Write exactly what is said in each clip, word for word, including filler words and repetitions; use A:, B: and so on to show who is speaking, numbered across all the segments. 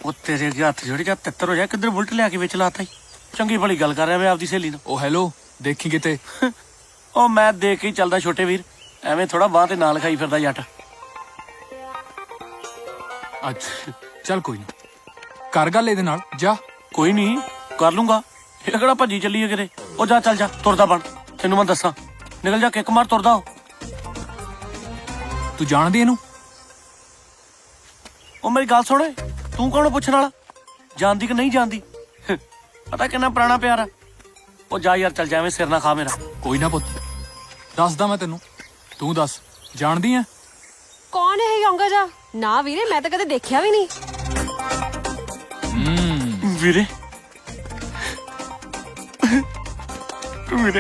A: ਉਹ ਤੇਰੇ ਅੱਗੇ ਹੱਥ ਜੋੜੀ ਜਾ ਤਿੱਤਰ ਹੋ ਜਾ ਕਿੱਧਰ ਬੁਲਟ ਲਿਆ ਕੇ ਵਿੱਚ ਲਾਤਾ ਈ ਚੰਗੀ ਭਲੀ ਗੱਲ ਕਰ ਰਿਹਾ ਮੈਂ ਆਪਦੀ ਸਹੇਲੀ ਨਾਲ।
B: ਉਹ ਹੈਲੋ ਦੇਖੀ ਕਿਤੇ।
A: ਉਹ ਮੈਂ ਦੇਖ ਕੇ ਹੀ ਚੱਲਦਾ ਛੋਟੇ ਵੀਰ, ਐਵੇਂ ਥੋੜਾ ਬਾਂਹ ਤੇ ਨਾਲ ਖਾਈ ਫਿਰਦਾ ਜੱਟ।
B: ਅੱਛਾ ਚੱਲ ਕੋਈ ਨੀ, ਕਰ ਗੱਲ ਇਹਦੇ ਨਾਲ ਜਾ।
A: ਕੋਈ ਨਹੀਂ ਕਰ ਲੂੰਗਾ, ਇਹ ਕਿਹੜਾ ਭੱਜੀ ਚੱਲੀ ਹੈ ਕਿਤੇ। ਉਹ ਜਾ ਚੱਲ ਜਾ ਤੁਰਦਾ ਬਣ, ਤੈਨੂੰ ਮੈਂ ਦੱਸਾਂ ਨਿਕਲ ਜਾ ਕਿੱਕ ਮਾਰ ਤੁਰਦਾ।
B: ਤੂੰ ਜਾਣਦੀ ਇਹਨੂੰ?
A: ਉਹ ਮੇਰੀ ਗੱਲ ਸੁਣ, ਤੂੰ ਕੌਣ ਪੁੱਛਣ ਵਾਲਾ, ਜਾਣਦੀ ਕਿ ਨਹੀਂ ਜਾਣਦੀ? ਪਤਾ ਕਿੰਨਾ ਪੁਰਾਣਾ ਪਿਆਰ ਆ। ਉਹ ਜਾ ਯਾਰ ਚੱਲ ਜਾ, ਐਵੇਂ ਸਿਰ ਨਾ ਖਾ ਮੇਰਾ।
B: ਕੋਈ ਨਾ ਪੁੱਤ, ਦੱਸਦਾ ਮੈਂ ਤੈਨੂੰ, ਤੂੰ ਦੱਸ ਜਾਣਦੀ ਐ?
C: ਕੌਣ ਹੈ ਯੋਂਗਾ ਜਾ? ਨਾ ਵੀਰੇ ਮੈਂ ਤਾਂ ਕਦੇ ਦੇਖਿਆ ਵੀ ਨਹੀਂ।
B: ਹੂੰ
A: ਵੀਰੇ ਵੀਰੇ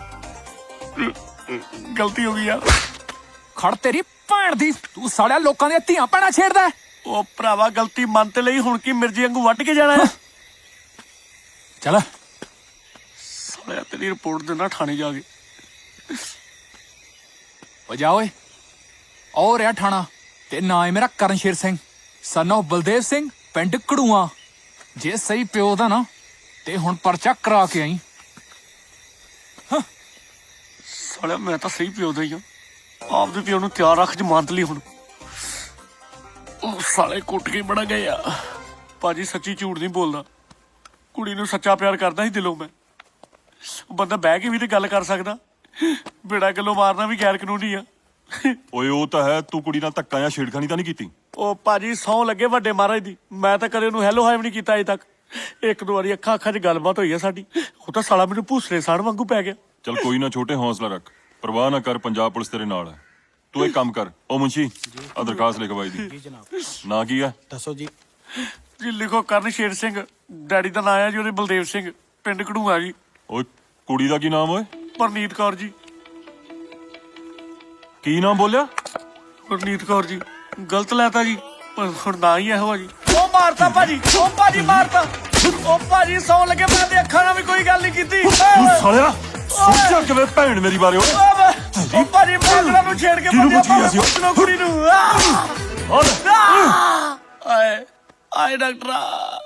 A: ਗਲਤੀ ਹੋ ਗਈ ਯਾਰ।
B: ਖੜ ਤੇਰੀ ਭੈਣ ਦੀ, ਤੂੰ ਸਾਲਿਆ ਲੋਕਾਂ ਦੀਆਂ ਧੀਆਂ ਭੈਣਾਂ ਛੇੜਦਾ ਹੈ।
A: ਉਹ ਭਰਾਵਾ ਗਲਤੀ ਮੰਨ ਤੇ ਲਈ, ਹੁਣ ਕੀ ਮਿਰਜੀ ਵਾਂਗੂ ਵੱਢ ਕੇ ਜਾਣਾ ਹੈ।
B: ਚੱਲ
A: ਸਾਲਿਆ ਤੇਰੀ ਰਿਪੋਰਟ ਦੇਣਾ ਥਾਣੇ ਜਾ ਕੇ।
B: ਓ ਜਾ ਓਏ, ਉਹ ਰਿਹਾ ਥਾਣਾ ਤੇ ਨਾਂ ਹੈ ਮੇਰਾ ਕਰਨਸ਼ੇਰ ਸਿੰਘ ਸਨ ਆਫ ਬਲਦੇਵ ਸਿੰਘ, ਪਿੰਡ ਕੜੂਆ। ਜੇ ਸਹੀ ਪਿਓ ਦਾ ਨਾ ਤੇ ਹੁਣ ਪਰਚਾ ਕਰਾ ਕੇ ਆਈ।
A: ਸਾਲਿਆ ਮੈਂ ਤਾਂ ਸਹੀ ਪਿਓ ਦਾ ਹੀ ਆ, ਆਪਦੇ ਪਿਓ ਨੂੰ ਤਿਆਰ ਰੱਖ ਜਮਾਨਤ ਲਈ। ਹੁਣ ਉਹ ਸਾਲੇ ਕੁੱਟ ਕੇ ਬੜਾ ਗਏ ਆ। ਭਾਜੀ ਸੱਚੀ ਝੂਠ ਨਹੀਂ ਬੋਲਦਾ, ਕੁੜੀ ਨੂੰ ਸੱਚਾ ਪਿਆਰ ਕਰਦਾ ਸੀ ਦਿਲੋਂ ਮੈਂ। ਬੰਦਾ ਬਹਿ ਕੇ ਵੀ ਤੇ ਗੱਲ ਕਰ ਸਕਦਾ, ਬੇੜਾ ਗੱਲੋਂ ਮਾਰਨਾ ਵੀ ਗੈਰ ਕਾਨੂੰਨੀ ਆ।
D: ਓਏ ਉਹ ਤਾਂ ਹੈ, ਤੂੰ ਕੁੜੀ ਨਾਲ ਧੱਕਾ ਜਾਂ ਛੇੜਖਾਨੀ ਤਾਂ ਨਹੀਂ ਕੀਤੀ?
A: ਉਹ ਭਾਜੀ ਸਹੁੰ ਲੱਗੇ ਵੱਡੇ ਮਹਾਰਾਜ ਦੀ, ਮੈਂ ਤਾਂ ਕਦੇ ਉਹਨੂੰ ਹੈਲੋ ਹਾਏ ਵੀ ਨਹੀਂ ਕੀਤਾ ਅਜੇ ਤੱਕ। ਇੱਕ ਦੋ ਵਾਰੀ ਅੱਖਾਂ ਅੱਖਾਂ 'ਚ ਗੱਲਬਾਤ ਹੋਈ ਆ ਸਾਡੀ, ਉਹ ਤਾਂ ਸਾਲਾ ਮੈਨੂੰ ਭੂਸਰੇ ਸਾੜ ਵਾਂਗੂ ਪੈ ਗਿਆ।
D: ਚਲ ਕੋਈ ਨਾ ਛੋਟੇ, ਹੌਸਲਾ ਰੱਖ, ਪਰਵਾਹ ਨਾ ਕਰ, ਪੰਜਾਬ ਪੁਲਿਸ ਤੇਰੇ ਨਾਲ ਹੈ। ਤੂੰ ਇੱਕ ਕੰਮ ਕਰ, ਉਹ ਮੁੰਸ਼ੀ ਆ ਦਰਖਾਸਤ ਲਿਖਵਾਈ ਦੀ। ਨਾਂ ਕੀ ਆ?
E: ਦੱਸੋ ਜੀ।
A: ਜੀ ਲਿਖੋ ਕਰਨਸ਼ੇਰ ਸਿੰਘ, ਡੈਡੀ ਦਾ ਨਾਂ ਆ ਜੀ ਉਹਦੇ ਬਲਦੇਵ ਸਿੰਘ, ਪਿੰਡ ਘੜੂਆ ਜੀ।
D: ਓਏ ਕੁੜੀ ਦਾ ਕੀ ਨਾਮ ਓਏ?
A: ਪਰਨੀਤ ਕੌਰ ਜੀ।
D: ਕੀ ਨਾਮ ਬੋਲਿਆ?
A: ਪਰਨੀਤ ਕੌਰ ਜੀ। ਗਲਤ ਲੈਤਾ ਜੀ, ਪਰ ਹੁਣ ਨਾ ਹੀ ਇਹੋ ਆ ਜੀ। ਉਹ ਮਾਰਤਾ ਭਾਜੀ, ਉਹ ਭਾਜੀ ਮਾਰਤਾ। ਉਹ ਭਾਜੀ ਸੌਂ ਲੱਗੇ, ਮੈਂ ਤੇ ਅੱਖਾਂ ਨਾਲ ਵੀ ਕੋਈ ਗੱਲ ਨਹੀਂ ਕੀਤੀ।
D: ਤੂੰ ਸਾਲਿਆ ਸੋਚਿਆ ਕਿਵੇਂ ਭੈਣ ਮੇਰੀ ਬਾਰੇ ਓਏ?
A: ਉਹ ਭਾਜੀ ਮਾਗਰਾਂ ਨੂੰ ਛੇੜ ਕੇ
D: ਕਿਹਨੂੰ ਪੁੱਛ ਗਿਆ ਸੀ ਉਹ?
A: ਪੁੱਛਣੋ ਕੁੜੀ ਨੂੰ। ਆਏ ਆਏ ਡਾਕਟਰਾ।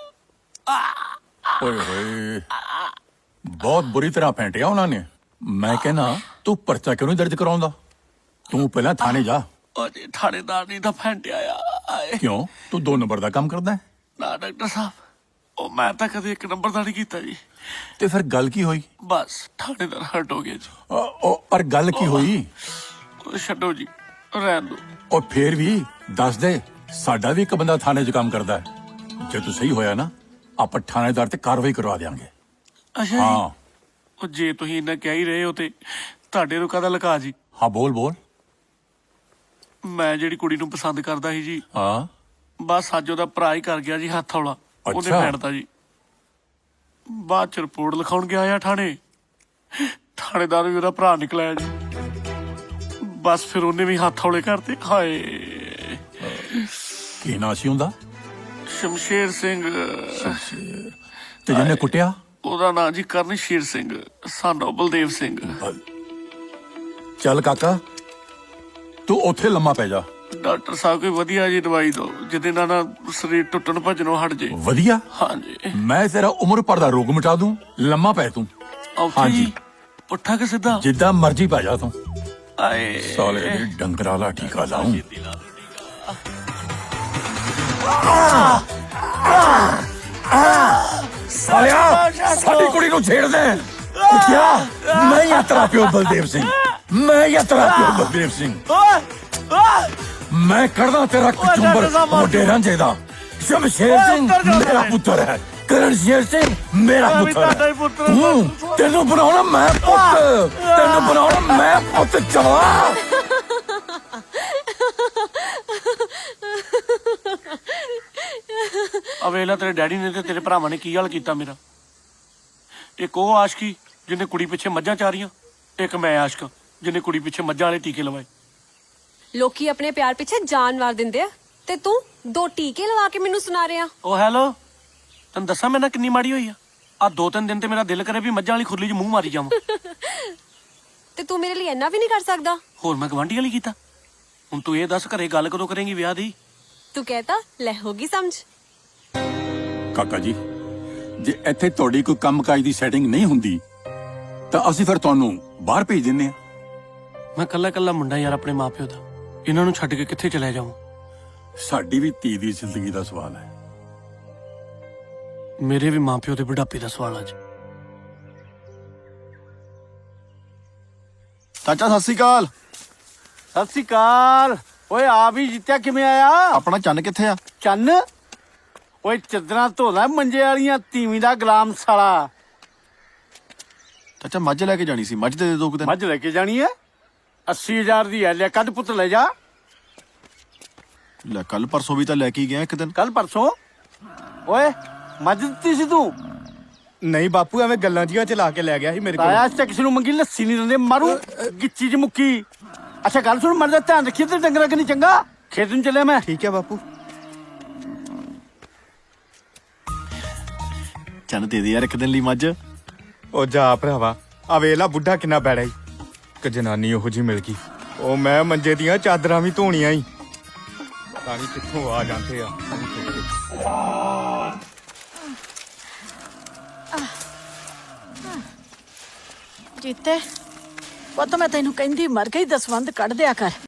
E: ਓਏ ਹੋਏ, ਬਹੁਤ ਬੁਰੀ ਤਰ੍ਹਾਂ ਫੈਂਟਿਆ ਉਹਨਾਂ ਨੇ। ਮੈਂ ਕਹਿੰਦਾ ਤੂੰ ਪਰਚਾ ਕਿਉਂ ਨਹੀਂ ਦਰਜ ਕਰਾਉਂਦਾ? ਤੂੰ ਪਹਿਲਾਂ ਥਾਣੇ ਜਾ।
A: ਉਹ ਜੀ ਥਾਣੇਦਾਰ ਨਹੀਂ ਤਾਂ ਫੈਂਟਿਆ ਆ। ਆਏ
E: ਕਿਉਂ, ਤੂੰ ਦੋ ਨੰਬਰ ਦਾ ਕੰਮ ਕਰਦਾ ਹੈ?
A: ਨਾ ਡਾਕਟਰ ਸਾਹਿਬ, ਉਹ ਮੈਂ ਤਾਂ ਕਦੇ ਇੱਕ ਨੰਬਰ ਦਾ ਨਹੀਂ ਕੀਤਾ ਜੀ।
E: ਤੇ ਫਿਰ ਗੱਲ ਕੀ ਹੋਈ?
A: ਬਸ ਥਾਣੇਦਾਰ ਹਟ ਹੋ ਗਿਆ ਜੀ।
E: ਉਹ- ਉਹ ਪਰ ਗੱਲ ਕੀ ਹੋਈ?
A: ਉਹ ਛੱਡੋ ਜੀ, ਰਹਿਣ ਦਿਓ।
E: ਉਹ ਫੇਰ ਵੀ ਦੱਸ ਦੇ, ਸਾਡਾ ਵੀ ਇੱਕ ਬੰਦਾ ਥਾਣੇ 'ਚ ਕੰਮ ਕਰਦਾ ਹੈ। ਜੇ ਤੂੰ ਸਹੀ ਹੋਇਆ ਨਾ, ਆਪਾਂ ਥਾਣੇਦਾਰ ਤੇ ਕਾਰਵਾਈ ਕਰਵਾ ਦੇਵਾਂਗੇ।
A: ਅੱਛਾ ਜੀ।
E: ਹਾਂ
A: ਉਹ ਜੇ ਤੁਸੀਂ ਇੰਨਾ ਕਹਿ ਹੀ ਰਹੇ ਹੋ ਤੇ ਤੁਹਾਡੇ ਨੂੰ ਕਾਹਦਾ ਲੁਕਾ ਜੀ।
E: ਹਾਂ ਬੋਲ ਬੋਲ।
A: ਮੈਂ ਜਿਹੜੀ ਕੁੜੀ ਨੂੰ ਪਸੰਦ ਕਰਦਾ ਸੀ ਜੀ,
E: ਹਾਂ
A: ਬਸ ਅੱਜ ਉਹਦਾ ਭਰਾ ਹੀ ਕਰ ਗਿਆ ਜੀ ਹੱਥ ਹੌਲਾ। ਉਹਨੇ
E: ਅੱਛਾ।
A: ਫੈਂਟਤਾ ਜੀ। ਬਾਅਦ ਚ ਰਿਪੋਰਟ ਲਿਖਾਉਣ ਗਿਆ ਆ ਥਾਣੇ, ਥਾਣੇਦਾਰ ਵੀ ਉਹਦਾ ਭਰਾ ਨਿਕਲਿਆ ਜੀ। ਬਸ ਫਿਰ ਉਹਨੇ ਵੀ ਹੱਥ ਹੌਲੇ ਕਰਤੇ। ਹਾਏ
E: ਕੀ ਨਾਂ ਸੀ ਉਹਦਾ?
A: ਸ਼ਮਸ਼ੇਰ ਸਿੰਘ।
E: ਤੇ ਜਿਹਨੇ ਕੁੱਟਿਆ?
A: ਉਹਦਾ ਨਾਂ ਜੀ ਕਰਨਸ਼ੇਰ ਸਿੰਘ ਸਾਨੂੰ ਬਲਦੇਵ ਸਿੰਘ।
E: ਚੱਲ ਕਾਕਾ, ਤੂੰ ਉੱਥੇ ਲੰਮਾ ਪੈ ਜਾ।
A: ਡਾਕਟਰ ਸਾਹਿਬ ਕੋਈ ਵਧੀਆ ਜੀ ਦਵਾਈ ਦਿਓ ਜਿਹਦੇ ਨਾਲ ਨਾ ਸਰੀਰ ਟੁੱਟਣ ਭੱਜਣੋਂ ਹਟ ਜੇ।
E: ਵਧੀਆ?
A: ਹਾਂਜੀ।
E: ਮੈਂ ਤੇਰਾ ਉਮਰ ਭਰ ਦਾ ਰੋਗ ਮਿਟਾ ਦੂੰ, ਲੰਮਾ ਪੈ ਤੂੰ।
A: ਔਖੀ
E: ਹਾਂਜੀ।
A: ਜੀ, ਪੁੱਠਾ ਕਿ ਸਿੱਧਾ?
E: ਜਿੱਦਾਂ ਮਰਜ਼ੀ ਪੈ ਜਾ ਤੂੰ।
A: ਆਏ
E: ਸਾਲੇ ਦੇ ਡੰਗਰਾਂ ਵਾਲਾ ਟੀਕਾ ਲਾਉਂ। ਸਾਲਿਆ ਸਾਡੀ ਕੁੜੀ ਨੂੰ ਛੇੜ ਦੇ। ਉੱਠਿਆ, ਮੈਂ ਹੀ ਆ ਤੇਰਾ ਪਿਓ ਬਲਦੇਵ ਸਿੰਘ, ਮੈਂ ਹੀ ਆ ਤੇਰਾ ਪਿਓ ਬਲਦੇਵ ਸਿੰਘ।
A: ਓਏ ਓਏ
E: ਮੈਂ ਕਰਦਾ ਤੇਰਾ ਕਚੁੰਬਰ ਮੋਢੇ ਰਾਂਝੇ ਦਾ। ਸ਼ਮਸ਼ੇਰ ਸਿੰਘ ਮੇਰਾ ਪੁੱਤਰ ਹੈ, ਕਰਨਸ਼ੇਰ ਸਿੰਘ ਮੇਰਾ ਪੁੱਤਰ ਹੈ। ਤੂੰ ਤੈਨੂੰ ਬਣਾਉਣਾ ਮੈਂ ਪੁੱਤ, ਤੈਨੂੰ ਬਣਾਉਣਾ ਮੈਂ ਪੁੱਤ। ਚਲਾ
A: ਅਵੇਲਾ ਤੇਰੇ ਡੈਡੀ ਨੇ ਤੇ ਤੇਰੇ ਭਰਾਵਾਂ ਨੇ ਕੀ ਹਾਲ ਕੀਤਾ ਮੇਰਾ। ਇੱਕ ਉਹ ਆਸ਼ਕੀ ਜਿਹਨੇ ਕੁੜੀ ਪਿੱਛੇ ਮੱਝਾਂ ਚਾਰੀਆਂ, ਇੱਕ ਮੈਂ ਆਸ਼ਕ ਜਿਹਨੇ ਕੁੜੀ ਪਿੱਛੇ ਮੱਝਾਂ ਵਾਲੇ ਟੀਕੇ ਲਵਾਏ।
C: ਲੋਕੀ ਆਪਣੇ ਪਿਆਰ ਪਿੱਛੇ ਜਾਨ ਵਾਰ ਦਿੰਦੇ ਆ ਤੇ ਤੂੰ ਦੋ ਟੀਕੇ ਲਵਾ ਕੇ ਮੈਨੂੰ ਸੁਣਾ ਰਿਹਾ।
A: ਉਹ ਹੈਲੋ, ਤੈਨੂੰ ਦੱਸਾਂ ਮੇਰੇ ਨਾਲ ਕਿੰਨੀ ਮਾੜੀ ਹੋਈ ਆ। ਆ ਦੋ ਤਿੰਨ ਦਿਨ ਤੇ ਮੇਰਾ ਦਿਲ ਕਰੇ ਵੀ ਮੱਝਾਂ ਵਾਲੀ ਖੁਰਲੀ 'ਚ ਮੂੰਹ ਮਾਰੀ ਜਾਵਾਂ।
C: ਤੇ ਤੂੰ ਮੇਰੇ ਲਈ ਇੰਨਾ ਵੀ ਨਹੀਂ ਕਰ ਸਕਦਾ?
A: ਹੋਰ ਮੈਂ ਗਵਾਂਢੀ ਵਾਲੀ ਕੀਤਾ। ਹੁਣ ਤੂੰ ਇਹ ਦੱਸ ਘਰੇ ਗੱਲ ਕਦੋਂ ਕਰੇਂਗੀ ਵਿਆਹ ਦੀ?
C: ਤੂੰ ਕਹਿਤਾ ਲੈ ਹੋਗੀ ਸਮਝ।
E: ਕਾਕਾ ਜੀ ਜੇ ਇੱਥੇ ਤੁਹਾਡੀ ਕੋਈ ਕੰਮਕਾਜ ਦੀ ਸੈਟਿੰਗ ਨਹੀਂ ਹੁੰਦੀ ਤਾਂ ਅਸੀਂ ਫਿਰ ਤੁਹਾਨੂੰ ਬਾਹਰ ਭੇਜ ਦਿੰਨੇ ਆ।
A: ਮੈਂ ਕੱਲਾ ਕੱਲਾ ਮੁੰਡਾ ਯਾਰ ਆਪਣੇ ਮਾਪਿਓ ਦਾ, ਇਹਨਾਂ ਨੂੰ ਛੱਡ ਕੇ ਕਿੱਥੇ ਚਲੇ ਜਾਵਾਂ।
E: ਸਾਡੀ ਵੀ ਧੀ ਦੀ ਜ਼ਿੰਦਗੀ ਦਾ ਸਵਾਲ ਹੈ।
A: ਮੇਰੇ ਵੀ ਮਾਪਿਓ ਦੇ ਬੁਢਾਪੇ ਦਾ ਸਵਾਲ ਅੱਜ।
F: ਚਾਚਾ ਸਤਿ ਸ੍ਰੀ ਅਕਾਲ।
G: ਸਤਿ ਸ੍ਰੀ ਅਕਾਲ। ਓਏ ਆ ਵੀ ਜਿੱਤਿਆ ਕਿਵੇਂ ਆਇਆ?
F: ਆਪਣਾ ਚੰਨ ਕਿੱਥੇ ਆ?
G: ਚੰਨ ਓਏ ਚੱਦਰਾਂ ਧੋਦਾ ਮੰਜੇ ਵਾਲੀਆਂ, ਤੀਵੀਂ ਦਾ ਗੁਲਾਮ ਸਾਲਾ।
F: ਚਾਚਾ ਮੱਝ ਲੈ ਕੇ ਜਾਣੀ ਸੀ, ਮੱਝ ਦੇ ਦੇ ਦੋ ਕੁ ਦਿਨ।
G: ਮੱਝ ਲੈ ਕੇ ਜਾਣੀ ਐ? ਅੱਸੀ ਹਜ਼ਾਰ ਦੀ ਐ, ਲੈ ਕੱਢ ਪੁੱਤ ਲੈ ਜਾ।
F: ਲੈ ਕੱਲ ਪਰਸੋਂ ਵੀ ਤਾਂ ਲੈ ਕੇ ਹੀ ਗਿਆ ਇੱਕ ਦਿਨ।
G: ਕੱਲ ਪਰਸੋਂ? ਓਏ ਮੱਝ ਦਿੱਤੀ ਸੀ ਤੂੰ?
H: ਨਹੀਂ ਬਾਪੂ ਐਵੇਂ ਗੱਲਾਂ ਜੀਆਂ ਚ ਲਾ ਕੇ ਲੈ ਗਿਆ ਸੀ ਮੇਰੇ ਕੋਲ।
G: ਤਾਇਆ ਅੱਜ ਤੱਕ ਕਿਸੇ ਨੂੰ ਮੰਗੀ ਲੱਸੀ ਨਹੀਂ ਦਿੰਦੇ, ਮਾਰੂ ਗਿੱਚੀ ਚ ਮੁੱਕੀ। ਅੱਛਾ ਗੱਲ ਸੁਣ, ਮਰ ਦਾ ਧਿਆਨ ਰੱਖੀ ਤੇ ਡੰਗਰਾਂ ਕਿ ਨਹੀਂ ਚੰਗਾ। ਖੇਤ ਨੂੰ ਚੱਲਿਆ ਮੈਂ।
H: ਠੀਕ ਹੈ ਬਾਪੂ।
F: ਚੰਨ ਦੇ ਦੇ ਯਾਰ ਇੱਕ ਦਿਨ ਲਈ ਮੱਝ।
H: ਉਹ ਜਾ ਭਰਾਵਾ, ਆ ਵੇਲਾ ਬੁੱਢਾ ਕਿੰਨਾ ਬੈੜਾ ਈ। ਇੱਕ ਜਨਾਨੀ ਉਹੋ ਜੀ ਮਿਲ ਗਈ, ਉਹ ਮੈਂ ਮੰਜੇ ਦੀਆਂ ਚਾਦਰਾਂ ਵੀ ਧੋਣੀਆਂ ਈ। ਪਤਾ ਨਹੀਂ ਕਿੱਥੋਂ ਆ ਜਾਂਦੇ ਆ।
I: ਜੀਤੇ ਪੁੱਤ ਮੈਂ ਤੈਨੂੰ ਕਹਿੰਦੀ ਮਰ ਗਈ ਦਸਵੰਧ ਕੱਢ ਦਿਆ ਕਰ।